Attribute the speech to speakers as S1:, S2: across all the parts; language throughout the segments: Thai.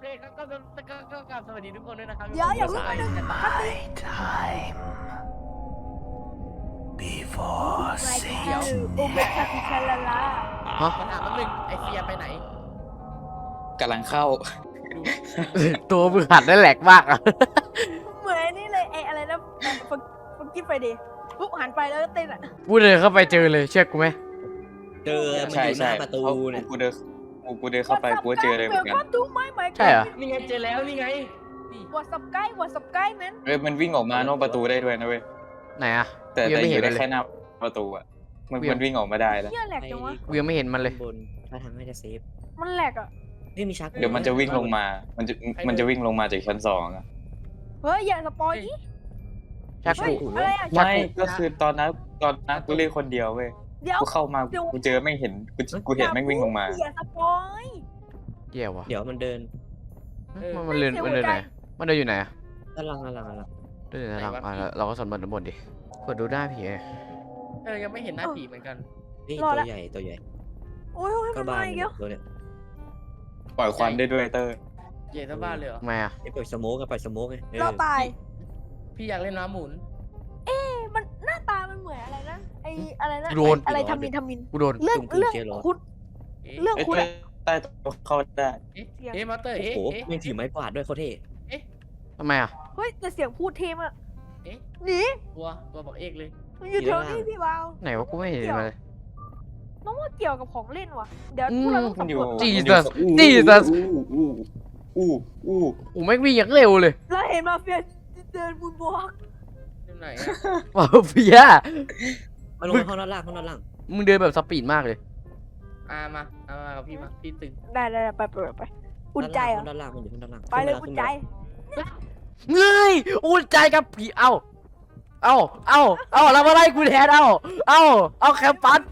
S1: ก็กลับสวัสดีทุกคนด้วยนะครับ
S2: เดี๋ยวอย่าเพิ่งไป
S3: time before
S2: เดี๋ยวโอเบคาติคาลาลา
S1: มาถามแป๊บนึงไอเฟียไปไหน
S4: กำลังเข้า
S5: ตัวมึงหัดได้แหลกมากอะ
S2: เหมือนนี่เลยไออะไรนะฟังกี้ไฟเดย์ปุ๊บหันไปแล้วก็เต้นอ่ะ
S5: กูเดินเข้าไปเจอเลยเชื่อกูไหม
S6: เจอมัน
S4: ใช่
S6: อยู่ห
S4: ใช่
S6: น้าประตูเนี่ย
S4: กูเดินเข้าไปกูเจอเลยเหมือนกัน
S2: ดูไหมไหม
S5: ใช่เหรอ
S1: นี่ไงเจอแล้วนี่ไงนี่
S2: วอสับใกล้แมน
S4: เว้ยมันวิ่งออกมานอกประตูได้ด้วยนะเว้ย
S5: ไหนอะ
S4: แต่
S5: กูยังไม่
S4: อ
S5: เห็น
S4: ยู่ได้
S5: เลย
S4: แค่หน้าประตูอ่ะมันวิ่งออกมาได้แล้ว
S2: เหี้ยแหลกจังวะ
S5: กูยังไม่เห็นมันเลย
S6: บนถ้าทางไม่ได้เซฟ
S2: มันแหลกอ่ะ
S6: นี่มีชัก
S4: เดี๋ยวมันจะวิ่งลงมา มันจะวิ่งลงมาจากชั้น2อ่ะ
S2: เฮ้ยอย่าสปอยดิ
S5: ชัก
S2: เฮ้ย
S5: กู
S2: อะไรอ่ะ
S4: ไม่ก็คือตอนนั้นกูเล่นคนเดียวเว้ย
S2: เดี๋ยว
S4: กูเข้ามากูเจอไม่เห็นกูเห็นแม่งวิ่งลงมา
S2: อย่าสปอย
S5: เยี่ยวะ
S6: เดี๋ยวมันเดิน
S5: มันเดินไหนมันเดินอยู่ไหนอะ
S6: ด้านหลัง
S5: เดินอยู่ไหนหลังอ่ะเราก็สำรวจบนดิกดดูได้ผีไง
S1: ยังไม่เห็นหน้าผีเหมือนกัน
S6: นี่ตัวใหญ่
S2: โอ้ย
S6: ก็
S2: มัน
S6: บ้าม
S2: าน อีกแล้ว
S6: ตัวเนี่ย
S4: ปล่อยควันได้ด้วยเตอร์
S1: ใหญ่เท่าบ้านเลยเหรอ
S5: ทำไมอะ
S6: ไอ้ปล่อยสโมกไง
S2: เราตาย
S1: พี่อยากเล่นน้ำหมุน
S2: มันหน้าตามันเหมือนอะไรนะไออะไรนะ
S5: โดน
S2: อะไรทำมิน
S5: กูโดน
S2: เรื่องคุด
S1: เอ๊ะ
S2: เรื่อง
S4: ไอ้
S2: คุด
S4: เตอ
S2: อะ
S4: ร์ใต้โต๊ะเข้าได้
S1: เอ๊ะมาเตอร์
S6: โอ้
S1: เอ๊ะ
S6: โห
S1: เอ๊ะ
S6: แม่งถือไม้กวาดด้วยโคตรเท่
S5: ทำไมอะ
S2: เฮ้ยแต่เสียงพูดเทมอะ
S1: เอ๊ะ
S2: หนี
S1: ตัวบอกเอกเลย
S2: มันอยู่แถวนี้พี่วาว
S5: ไหนวะกูไม่เห็นมันเลย
S2: น้องว่าเกี่ยวกับของเล่นว่ะเดี๋ยวพวกเราต้อง
S4: มันอ
S2: สำร
S4: ยู่
S2: วจ
S5: Jesus
S4: อู้
S5: Jesus
S4: อู้
S5: อูไม่งวิ่งอย่างเร็วเลย
S2: แล้วเห็นมาเฟียเดินบุญบวก
S1: ที่ไหนอะ
S5: ว้าวเฟีย
S6: มาลงห้องด้านล่าง
S5: มึงเดินแบบสปีดมากเลย
S1: มากับพี่มาพี่ตึง
S2: ได้ไปอุ่นใจเหรอ
S6: ด้านล่างมันอยู่ด้านล่าง
S2: ไปเลยอุ่นใจ
S5: เงยอุ่นใจกับผีเอาแล้วมาไล่กูแทนเอาแคมปัส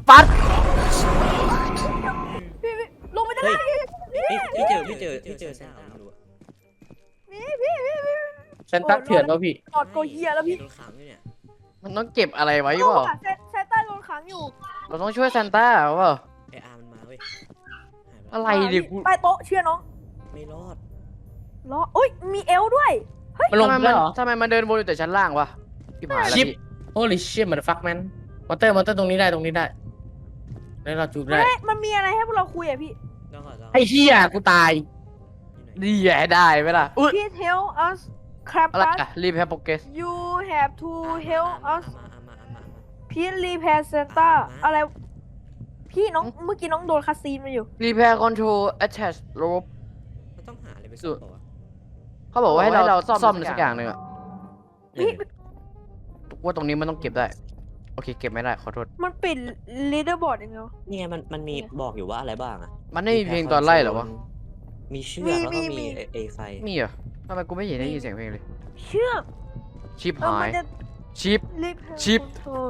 S2: พี่ลงไปด้านล่าง
S6: พี่เจอแซนต้าไม่รู้อะ
S2: พี่
S1: เซนต้าเถื่อนป่ะพี่
S2: กอดโกเฮียแล้วพี่
S6: โดนขังอยู่เนี่ย
S5: มันต้องเก็บอะไรไว้เปล่า
S2: แซนต้าโดนขังอยู่
S5: เราต้องช่วยซานต้าเปล่า
S6: ไออาร์มันมาเว้ยหายไป
S5: อะไรดิกู
S2: ใต้โต๊ะเชื่อน้อง
S6: ไม่รอด
S2: ล้ออุ้ยมีเอลด้วย
S1: มันลงแล้วเหรอ
S5: ทำไมมันเดินวนอยู่แต่ชั้นล่างวะพี่ผ่านแล้ว
S1: ชิป
S5: พี่
S1: holy shit มันฟักแมนมอเตอร์ตรงนี้ได้แล้วเราจูบได้
S2: เฮ้ยมันมีอะไรให้พวกเราคุยอ่ะพี่
S6: ต้องขอ
S1: ไอ้เหี้ยกูตาย
S5: ดีแย่ได้ไหมล่ะอุ้ย
S2: พี่ help us
S5: อะไร
S2: Krampus
S5: อะรีบแฮปโปเกส
S2: you have to help us
S6: มา
S2: พี่ repair Santa อะไร พี่น้องเมื่อกี้น้องโดนคาซีนมาอยู่
S5: รีแพร์คอนโทรลแอทแทชโรบ
S6: มันต้องหาอะไรไปสู้ต่อวะ
S5: เขาบอกว่าให้เราซ่อมสักอย่างหนึ่งอะ
S2: พี่
S5: ว่าตรงนี้มันต้องเก็บได้ โอเคเก็บไม่ได้ขอโทษ
S2: มันปิด leaderboard ยังไงวะ
S6: นี่ไงมันมีบอกอยู่ว่าอะไรบ้างอะ
S5: มันไม่มีเพลงตอนไล่เหรอวะ
S6: มีเชือกแล้วก็
S2: มี
S6: มีเอไฟ
S5: มีเหรอทำไมกูไม่เห็นได้ยินเสียงเพลงเลย
S2: เชื่อก
S5: ชิปหา
S2: มั
S5: ย
S2: จะ
S5: ชิป
S2: repair
S5: ชิป
S2: control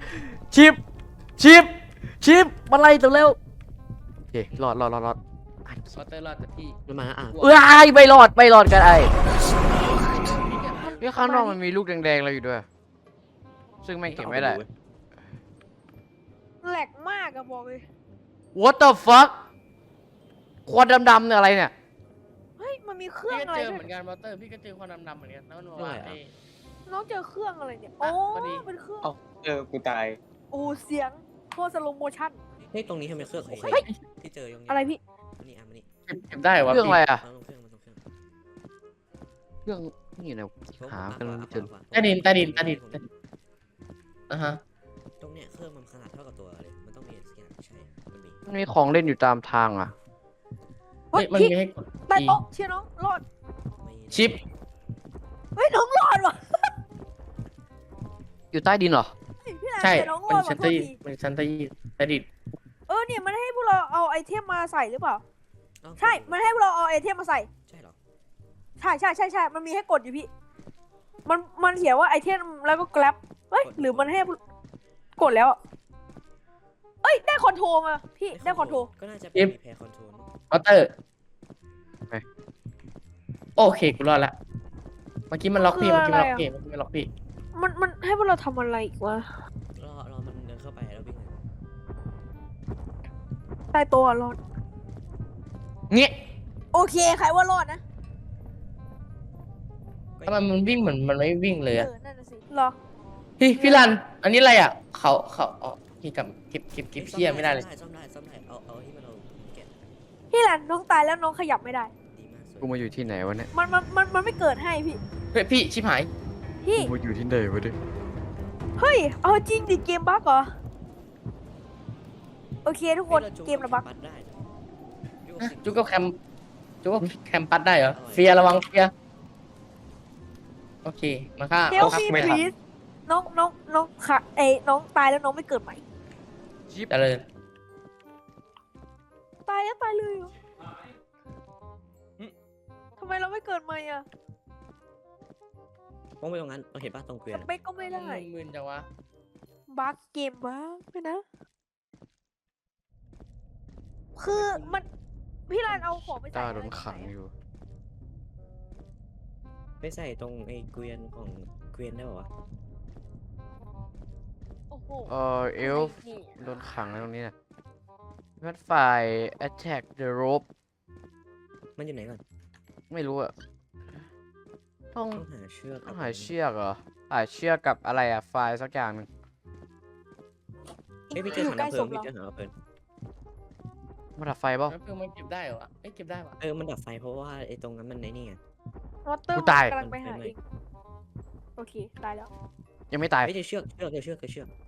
S5: ชิปมันไล่ตัวเร็วโอเครอด
S1: มอเตอร์รอดแต่พี่
S6: มันมาอ่ะ
S5: ไม่รอดกันไอ้นี่ข้างนอกมันมีลูกแดงๆอะไรอยู่ด้วย ซึ่งไม่งเก็บไม่ได้
S2: แหลกมากอะบอกเลย
S5: What the fuck ควันดำๆเนี่ยอะไรเนี่ย
S2: เฮ้ยมันมีเครื่
S1: พี่
S2: อง
S1: ก็
S2: อะไร
S1: เจอ
S2: ด้
S1: เห
S2: ว
S1: มื
S2: ย
S1: อนกันมอเตอร์พี่ก็เจอควันดำๆเหมือนกันแล้วมันบอกว่า
S2: น้องเจอเครื่องอะไรเนี่ยโอ้
S1: พอดี
S2: เป็นเครื่อง
S4: กูตาย
S2: โอ้เสียงโคตรสโลโมชั่น
S6: เฮ้ยตรงนี้ทำไมเครื่องโอเค
S2: เฮ้ย
S6: ที่เจอยัง
S2: อะไรพี่
S6: มันนี่มันนี่
S1: เก็บได้วะ
S5: เรื่องอะไรอะ
S6: มันตรงเครื่อง
S5: เครื่องนี่นะหากันไม่เจอ
S1: ใต้ดินฮะ
S6: ตรงเนี้ยเครื่องมันขนาดเท่ากับตัวเลยมันต้องมีสักอย่างใช่มันมี
S5: มันมีของเล่นอยู่ตามทางอ่ะ
S2: เฮ้ย
S1: มัน
S2: พี่
S1: มีให้กด
S2: ใต้โต๊ะเชื่อน้องรอด
S1: ชิป
S2: เฮ้ยน้องรอดว่ะ
S5: อยู่ใต้ดินเหรอ
S2: พี่นาย
S1: ใช่
S2: เจอน้องร
S1: มั
S2: อน ด
S1: ชั้
S2: ว่ะ
S1: น
S2: โท
S1: ใต้
S2: ษที
S1: ชั้นใต้ดิน
S2: เนี่ยมันให้พวกเราเอาไอเทมมาใส่หรือเปล่า ใช่ มันให้พวกเราเอาไอเทมมาใส่
S6: ใช่หรอ
S2: ใช่มันมีให้กดอยู่พี่ มันเขียนว่าไอเทมแล้วก็ grab เฮ้ยหรือมันให้กดแล้วอะเอ้ยได้คอนโทรมาพี่ได้คอนโทร
S6: ก็น่าจะเป็นรีแพร์คอนโทรล
S1: มอเตอร์โอเคกูรอดละเมื่อกี้มันล็อกพี่
S2: มันให้พวกเราทำอะไรอีกวะ
S6: รอมันเดินเข้าไปแล้ววิ่ง
S2: ใต้โต๊ะอะรอด
S1: เงี้ย
S2: โอเคใครว่ารอดนะ
S1: ทำไมมันวิ่งเหมือนมันไม่วิ่งเลยอะ
S2: นั่นน่ะสิรอ
S1: พี่รัน อันนี้อะไรอะเขาอ๋อพี่กับเก็บเพี้ยไม่ได้เลย
S6: ซ่อมได้เอาที่มันเราแกะ
S2: พี่รันน้องตายแล้วน้องขยับไม่ได้
S6: ดีมากสวย
S5: กูมาอยู่ที่ไหนวะเนี่ย
S2: มันไม่เกิดให้พี่
S1: เฮ้ยพี่ชิบหาย
S2: พี่
S5: กูมาอยู่ที่ไหนวะเนี่ย
S2: เฮ้ยเอาจริงดิเกมบั๊กเหรอโอเคทุกคน
S6: ฮ้ยราจุ
S2: เกมระบั๊ก
S6: ปัดได้นะจุ๊
S1: อ่ะ
S6: สิ
S1: จุกก็แคมปัสได้เหรอเฟียระวังเฟียโอเคมาฆ่า
S2: เฮล
S1: อา
S2: มี
S1: ไม่ทัน
S2: พีซน้องค่ะน้องตายแล้วน้องไม่เกิดใหม่
S5: ชิป
S1: เจริญ
S2: ตายแล้วตายเลยเหรอทำไมเราไม่เกิดใหม่อ่ะ
S6: ต้องไปตรงนั้นเราเห็นป่ะตรงเกวีย
S2: ส
S6: นอะ
S2: เปคก็ไม่ได้
S1: มึนจังวะ
S2: บั๊กเกมบั๊กไปนะ คือมันพี่รันเอาของไปใส่
S5: ตา
S2: อะไร
S5: โดนขังอยู่
S6: ไปใส่ตรงไอ้เกวียนของเกวียนได้ป่าวะ
S2: โอ้โห
S5: เอลฟ์โดนขังแล้วตรงนี้นะพัดฝ่าย attack the rope
S6: มันอยู่ไหนก่อน
S5: ไม่รู้อะต้อง
S6: ต้องหาเชือก
S5: ต้องหาเชือกเหรอหาเชือกกับอะไรอะไฟล์สักอย่างหนึ่ง
S6: เอ้ยพี่เจอ
S2: อยู่
S6: ถัง
S2: ใกล้
S6: น้ำเพลิ
S2: ศ
S6: ง
S2: พ
S6: พี่
S2: เรา
S6: เจอถังน้ำเพลิง
S5: มาดับไฟเปล่า
S1: แล้วเพื่อนมันเก็บได้เหรอวะเอ้ยเก็บได้วะ
S6: มันดับไฟเพราะว่าไอ้ตรงนั้นมันในนี่ไง
S2: วอเตอร์
S5: กูตาย
S2: กำลังไปหา
S6: ไม่
S2: เองโอเคตายแล้ว
S5: ยังไม่ตาย
S6: ไม่เจอเชือกเชือก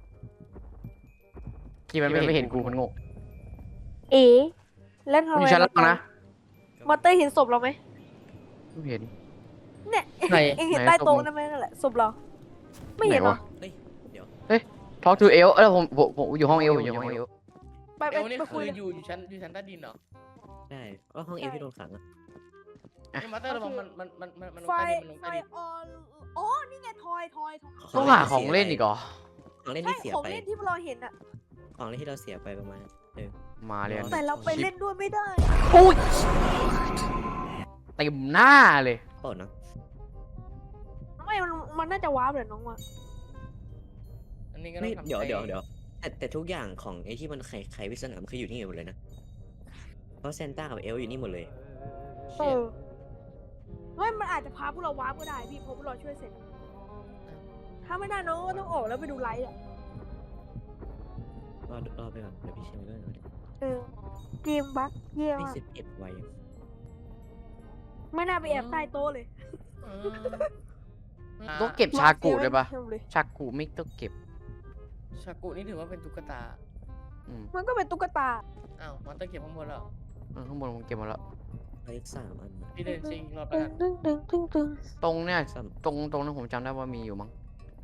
S5: ที่มันไม่เห็นกูมันงง
S2: เอ๋แล้วทำ
S5: มันอ
S2: ไม
S5: ยู่ชั้นล่างนะ
S2: มอเตอร์เห็นศพเราไหม
S5: ไม่เห็น
S2: เนี่ย
S1: ไหน
S2: เองเห็น
S5: ไหน
S2: ใต้โต๊ะ
S5: ศพมึง
S2: นั่นไหมนั่นแหละศพเรา ไม่เห็นเหรอ
S5: ไหนวะ
S6: เฮ้ยเดี๋ยว
S5: talk to เอลผมอยู่ห้องเอลอยู่ห้องเอล
S2: ไป
S1: เอวนี่
S2: ไป
S1: คื
S2: คุ
S1: อย
S2: เลย
S1: อยู่ชั้นใต้ดินเหรอ
S6: ได้ก็ห้องเอวที่โดนขังอะ
S1: นี่มาเตอร์ระวังมันลง
S2: ไฟ
S1: ใต้ดินมันลง
S2: ไฟ
S1: ใต้ดิน
S2: ออนอ๋อนี่ไงทอย
S5: ต้องหาของเล่นอีกเหรอ
S6: ของเล่น
S2: ใช่
S6: ที่เสีย
S2: ของ
S6: ไป
S2: เล่นที่เราเห็นอะ
S6: ของเล่นที่เราเสียไปประมาณ
S5: มาเลยอัน
S2: แต่เราไปเล่นด้วยไม่ได้
S5: อุ้ยเต็มหน้าเลย
S6: เปล่านะ
S2: ไม่มันน่าจะว้าบเลยน้องว่ะ
S1: อันนี้ก็ต้
S6: ไม่
S1: องทำ
S6: เดี๋ยว
S1: ใจ
S6: แต่ทุกอย่างของไอ้ที่มันไขวิศนามันคืออยู่นี่หมดเลยนะเพราะเซนต้ากับเอลอยู่นี่หมดเลย
S2: เออไม่มันอาจจะพาพวกเราว้าบก็ได้พี่เพราะพวกเราช่วยเสร็จ ถ้าไม่ได้น้องก็ต้องออกแล้วไปดูไลฟ์อะ
S6: รอไปก่อนเดี๋ยวพี่เชมด้วย
S2: เออเกมบั๊กเยี่ยม
S6: ไม่
S2: มาก
S6: 11ไวอะ
S2: ไม่น่าไปแอบใต้โต๊ะเลย
S5: ต้องเก็บชากุได้ปะ
S2: เทียบเลย
S5: ชากุไม่ต้องเก็บ
S1: ชากุนี่ถือว่าเป็นตุ๊กตา
S5: อืม
S2: มันก็เป็นตุ๊กตา
S1: อ้าวมันต้องเก็บข้างบนแล้ว
S5: ข้างบนผมเก็บหมาแล้ว
S6: เหลืออีก3 อันนะ
S1: พี่เดินชิงรอบ
S2: ตึ
S1: แล้ว
S2: ง
S1: กัน
S2: ตึง
S5: ตรงเนี่ย
S6: ซ้
S5: ตรงนั้นผมจำได้ว่ามีอยู่มั้ง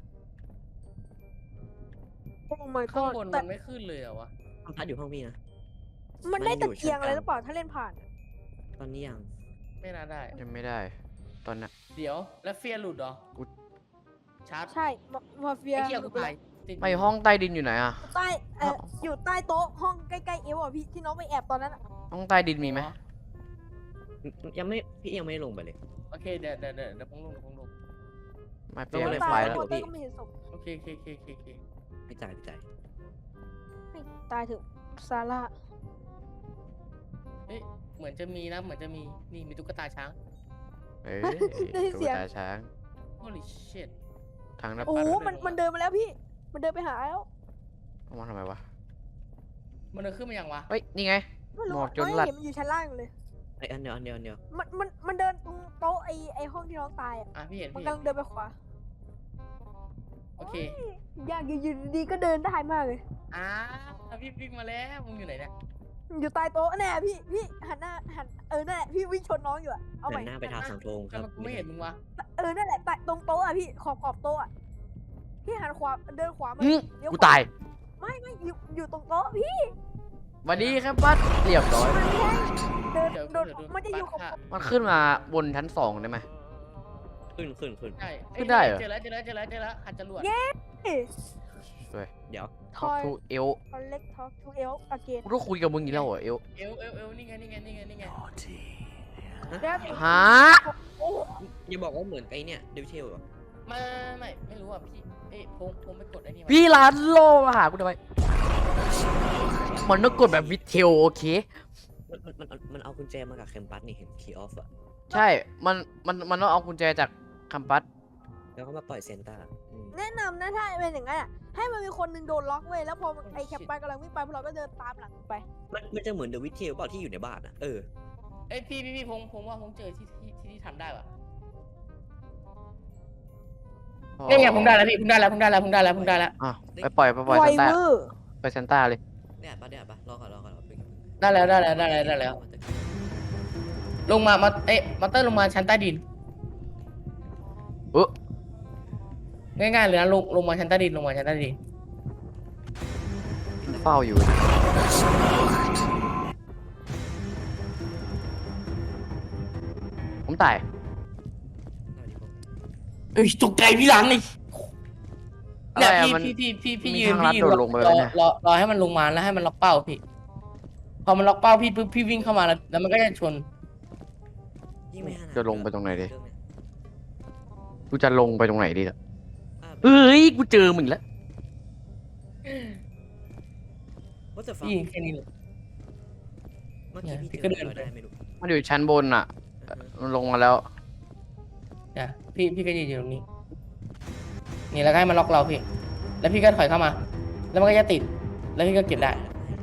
S2: โอ้ my
S1: ข้าง
S2: god
S1: บน
S2: แต่
S1: มันไม่ขึ้นเลยเหรอวะ
S6: ำพัดอยู่ห้องพี่นะ
S2: มันได้
S6: มันอยู่
S2: ตะเกียง
S6: ชั้น
S2: อะไร
S6: กลาง
S2: หรือเปล่าถ้าเล่นผ่าน
S6: ตอนนี้ยัง
S1: ไม่น่าได้
S5: ยังไม่ได้ ตอนน่ะ
S1: เดี๋ยวแล้วเฟียหลุดเหรอ
S5: กู
S1: ชาร์จ
S2: ใช่มาเฟีย
S1: ไอ้เหี้ยกูตายติด
S5: ไม่ห้องใต้ดินอยู่ไหนอะ
S2: ใต้อยู่ใต้โต๊ะห้องใกล้ๆเอวอ่ะพี่ที่น้องไปแอบตอนนั้นอะ
S5: ห้องใต้ดินมีไหม
S6: ยังไม่พี่ยังไม่ได้ลงไปเลย
S1: โอเคเดี๋ยวผมลง
S5: ไม่
S6: ต้
S5: เปี
S6: อง
S5: ย
S6: เลย
S5: ไฟ
S2: ตาย
S5: แล้ว
S2: มอเตอร์ก็ไม่เห็นศพ
S1: โอเค
S6: ไม่จ่าย
S2: ให้ตายเถอะซาร่า
S1: เฮ้ยเหมือนจะมีนะเหมือนจะมีนี่มีตุ๊กตาช้าง
S5: เอ้ย
S2: ได้ยิน
S5: ตุ๊
S2: เสี
S5: ก
S2: ยง
S5: ตาช้าง
S1: holy shit
S5: ทางหน้า
S2: โอ้
S5: ปัด
S2: โหมันเดินมาแล้วพี่ มันเดินไปหาแล้ว
S5: เอามาทำไมวะ
S1: มันเดินขึ้นมายังวะ
S5: เฮ้ย นี่ไง
S2: ไม่รู้
S5: หมอกจน
S2: ไม่
S5: หลัด
S2: เห็นมันอยู่ชั้นล่างอยู่เลย
S6: ไออันเดียว
S2: มันเดินตรงโต๊ะไอห้องที่น้องตายอ่ะ
S1: อ่ะพี่เห็น
S2: มัน
S1: พี่
S2: กำลังเดินไปขวา
S1: โอเค
S2: อยากอยู่ดีๆก็เดินได้มากเลย
S1: อ่าพี่วิ่งมาแล้วมึงอยู่ไหนเนี่ย
S2: อยู่ใต้โต๊ะแน่พี่หันหน้านั่นแหละพี่วิ่งชนน้องอยู่อะเอาใหม่
S6: หันหน้าไปทางเสาธงค
S1: ทำ
S6: รับ
S1: ไมกูไม่เห็นมึงวะ
S2: นั่นแหละใต้ตรงโต๊ะอะพี่ขอบโต๊ะอะพี่หันขวาเดินขวามา
S5: อื้อ
S2: เลี้ยว
S5: กู
S2: ขว
S5: ตาย
S2: ไม่อยู่ตรงโต๊ะพี่
S5: สวัสดีครับปัดเรียบร้อย
S2: มันไม่ใช่เดิน
S1: เดี๋ยว
S2: โดน
S1: เดี๋ยว
S2: มันจะอยู่กับ
S1: ปัด
S5: มันขึ้นมาบนชั้น2ได้ไหม
S6: ขึ้น
S1: ใช่
S5: ขึ้นได้เหรอ
S1: เจอแล้วหัดจรวด
S6: เดี๋ยว
S2: ท
S5: ท็อ
S2: อก ย
S5: ทูเอล
S2: คอนเล็กท็อกทูเอลอเกน
S5: กูต้องคุยกับมึงอีกแล้วเหรอเอล
S1: เอวนี่ไง
S3: Naughty.
S2: แล้ว
S5: ฮะ
S2: โอ้
S6: อย่าบอกว่าเหมือนไอเนี่ยเดวิเทลเหรอ
S1: ไม่รู้อ่ะพี่เอ้ยผมไปกดไอ้นี่มา
S5: พี่ร้านโลมาหากูทำไมมันต้องกดแบบวิดเทลโอเค
S6: มันเอากุญแจมากับแคมปัสนี่เห็นคีย์ออฟอะ
S5: ใช่ มันต้องเอากุญแจจากคัมปัส
S6: แล้วก็มาปล่อยเซนต้าอืม
S2: แนะนำนะถ้าเป็นอย่างนั้นอ่ะให้มันมีคนหนึงโดนล็อกเว้ยแล้วพอไอ้แคปไปกำลังวิ่งไปพวกเราก็เดินตามหลังไป
S6: มันจะเหมือนเดอะวิทเทลเปล่าที่อยู่ในบ้านอะ
S1: เอ้ยพี่ผมว่าผมเจอที่ทำได้ว่ะเนี่ยไงผมได้แล้วพี่ผมได้แล้ว
S5: อ่ะไปปล่อย
S2: ไว
S5: ซานต้า
S2: เวอร์
S5: ไปซานต้าเลย
S6: ได้ปะรอก่อนเพิ่ง
S1: ได้แล้วลงมามาเตอร์ลงมาชั้นใต้ดิน
S5: อุ๊
S1: ง่ายๆเลยนะลงมาชั้นใต้ดิน
S5: เฝ้าอยู่ ผมตาย
S1: เอ้ยตกใจพี่หลังนี่
S5: อะไร
S1: เนี่ย
S5: อะมัน
S1: พี่
S5: มี
S1: ยืน
S5: ทางลัดโดดลงไปแล้วเนี่ย
S1: รอให้มันลงมาแล้วให้มันล็อกเป้าพี่ พอมันล็อกเป้าพี่ปุ๊บพี่วิ่งเข้ามาแล้วมันก็จะชน
S6: ยิ่งไม่5
S5: จะลงไปตรงไหนดิ
S6: เรื่องเนี้ย
S5: กูจะลงไปตรงไหนดีล่ะ
S6: อ่ะ
S5: เฮ้ย กูเจอมึงอีกแล้ว
S6: What the fuck
S1: พี่ยิงแค่นี้เลย
S6: เมื่อกี้
S1: พี่
S6: พี่
S1: ก็
S6: เจ
S1: เดิ
S6: อน อะไร
S1: ไป
S6: ไม่รู้
S5: มันอยู่ชั้นบนอ่ะ
S6: อือฮึ
S5: มันลงมาแล้ว
S1: เนี่ยพี่ก็ยืนอยู่ตรงนี้ นี่แล้วก็ให้มันล็อกเราพี่ แล้วพี่ก็ถอยเข้ามา แล้วมันก็จะติด แล้วพี่ก็เก็บได้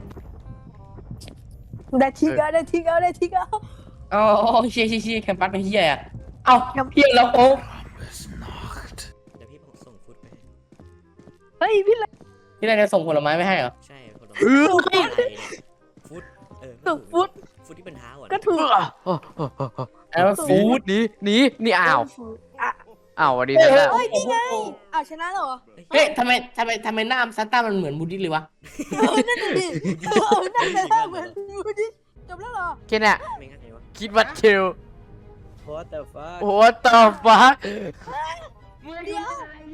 S2: ได้ทีก็ได้ทีก็
S1: อ๋อเชี่ยแคมปัสเป็นเฮียอ่ะเอ้าเฮียแล้วโอ้
S6: เดี๋ยวพี่ผมส่งฟุตไปให้
S2: เฮ้ยพี่เลย
S1: พี่นายจะส่งผลไม้ไม่ให้เหรอ
S6: ใช่คนละ
S5: เออ
S6: อะไรเนี่ยฟุต
S2: ตึกฟุต
S6: ฟุตที่เป็นเท้าอ่ะ
S2: ก็ถูก
S1: อันนั้นมันฟูด
S5: หนี่อ้าว
S2: อ่ะ
S5: อ้าวสวัสดีซานต้า
S2: เฮ้ยนี่ไงอ้าวชนะแล้วเหรอ
S1: เฮ้ยทำไมหน้าซันต้ามันเหมือนบูดดี้เลยวะ
S2: นั่นน่ะดินั่นน่ะเหมือนดูดิจบแล้วเหรอ
S5: แค่เนี้ย
S6: ไม่งั้นไงวะ
S5: คิดว่าเชิล
S6: What the fuck
S5: โอ้ต่อฟ้า
S2: เดี๋ยว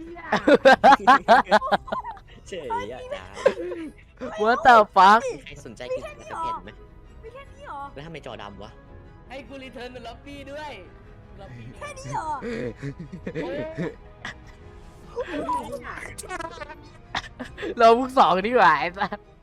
S6: เฉยอ่ะจ้า
S5: What the fuck
S6: ใครสนใจกินกระเพ็นไหม
S2: มีแค่นี้เหรอ
S6: แล้วทำไมจอดำวะ
S1: ให้กูรีเทิร์นเป็นล็อบบี้ด้วยล็อบบี้
S2: แค่นี้เหรอ
S5: เราพวกสองดีกว่าไอ้สัส